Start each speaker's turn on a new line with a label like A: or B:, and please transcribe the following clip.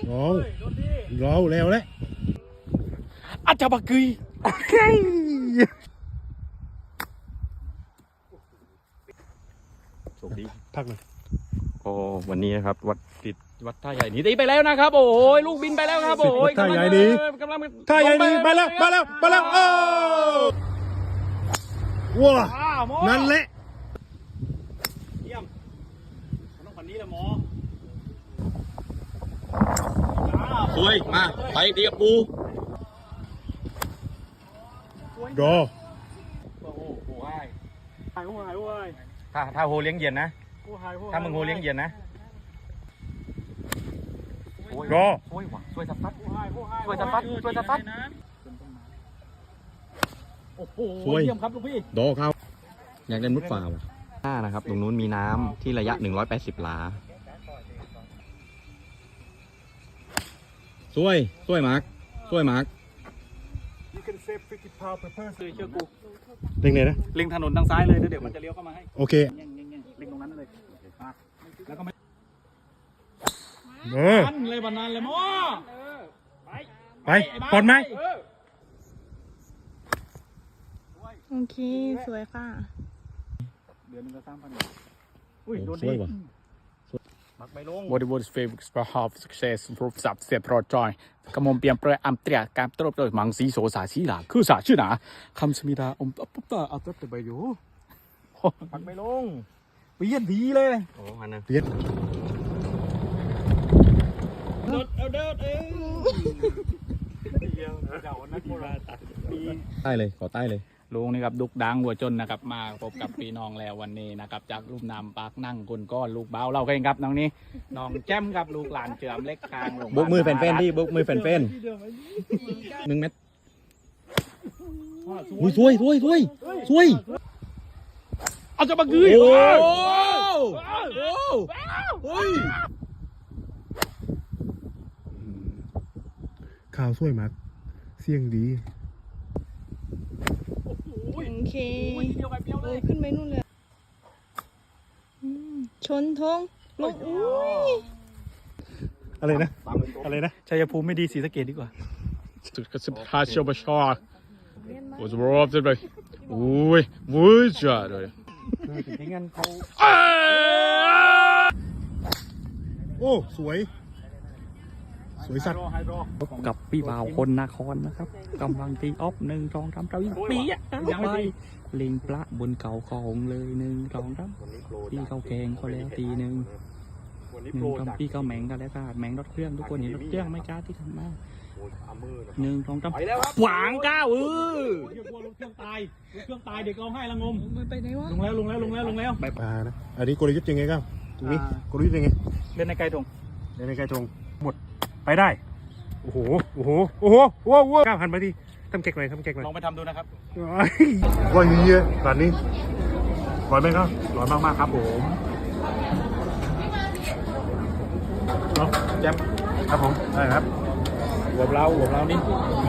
A: เราแล้วแหละ
B: อาจารย์บักกุยโชคดี
A: พักเลย
B: โอ้วันนี้นะครับวัดท่าใหญ่หนีตีไปแล้วนะครับโอ้ยลูกบินไปแล้วครับโอ้ย
A: ท่าใหญ่นี้ท่าใหญ่นี้ไปแล้วโอ้ว้านั่นแหละ
B: เยี่ยมต้องคนนี้แหละหมอสวยมาไปตีกับปู
A: รอ
B: โอ้โหหายถ้าโฮเลี้ยงเย็นนะถ้ามึงโฮเลี้ยงเย็นนะ
A: รอ
B: ช่วยสับปัดโอ้โหเยี่ยมครับลูกพี่
A: ดอเขา
B: อยากเล่นมุดฝ่าวะนะครับตรงนู้นมีน้ำที่ระยะ180 หลาช่วยมาร์คเชื่อกู
A: เล็งไหนนะ
B: เล็งถนนทางซ้ายเลยเดี๋ยวมันจะเลี้ยวเข้ามาให้
A: โอเค
B: เล็งตรงนั้นเลยแล้วก็ไม่
A: อัน
B: เลยวันนั้นเลยมั้ง
A: ไปผ่อนไหม
C: โอเคสวยค่ะ
B: เดือนนึงก็3,000อุ้ยโดนดี
D: Bollywood's favorite have success proof สับเสียบรอจอยกำมเปลี่ยนแปลงอัมเตรียการตรวจโดยมังสีโสสาสีหลาคือสาชื่อหนาคำสมิดาปุ๊บตาเอาตัวไปอยู่
B: ปักไม่ลง
D: เปลี่ยนดีเลย
B: โอ้มันนะ
A: เปลี่ยน
B: เดิด
A: ใต้เลยขอใต้เลย
D: ลุงนี่ครับดุกดังหัวจนนะครับมาพบกับพี่น้องแล้ววันนี้นะครับจากรูปนามปากนั่งคนก้อนลูกเบาเราก็เองครับน้องนี้น้องแจ้มครับลูกหลานเฉื่อมเล็กคางลง
A: บุกมือแฟนๆที่บุกมือแฟนๆ1 เม็ดสวย
D: เอาจะมากือ
A: ข่าวสวยมากเสียงดี
C: โอเคขึ้นไปนู่นเลยชนทงลง
A: อะไรนะ
D: ชัยภูมิไม่ดีศรีสะเกษดีกว่าสุดกระสิบพาเชียวบชอโอ้ยรอบเลยโอ้ยวุ้ยจ้าเลย
B: จริงๆงั้นเขา
A: โอ้สวยสัตว์
D: กับพี่บ่าวคนนครนะครับกำลังตีออฟ1 2 3ปียังไม่ลิงปลาบนเก่าของเลย1 2 3พี่เขาแกงเขาแล้วตี1 1พี่เขาแมงกันแล้วค่ะแมงรถเครื่องทุกคนเห็นรถเครื่องไม่กล้าที่ทำมา1 2 3หวางก้าว
B: เรียกว่ารถเครื่องตายเด็กร้องไห้ละงม
C: ไปไหนวะ
B: ลงแล้ว
A: ไปปลานะอันนี้กลยุทธ์ยังไงครับตรงนี้กลยุทธ์ยังไง
D: เล่นในไกลทง
A: หมดไปได้โอ้โหก้าวหันไปดิทำเก๊กหน่อย
D: ลองไปทำดูนะครับ
A: ร้อยเยอะร้านนี้ร้อยไหมครับร้อยมากครับผม
D: แจม
A: ครับผมได้ครับ
D: หัวเรานี่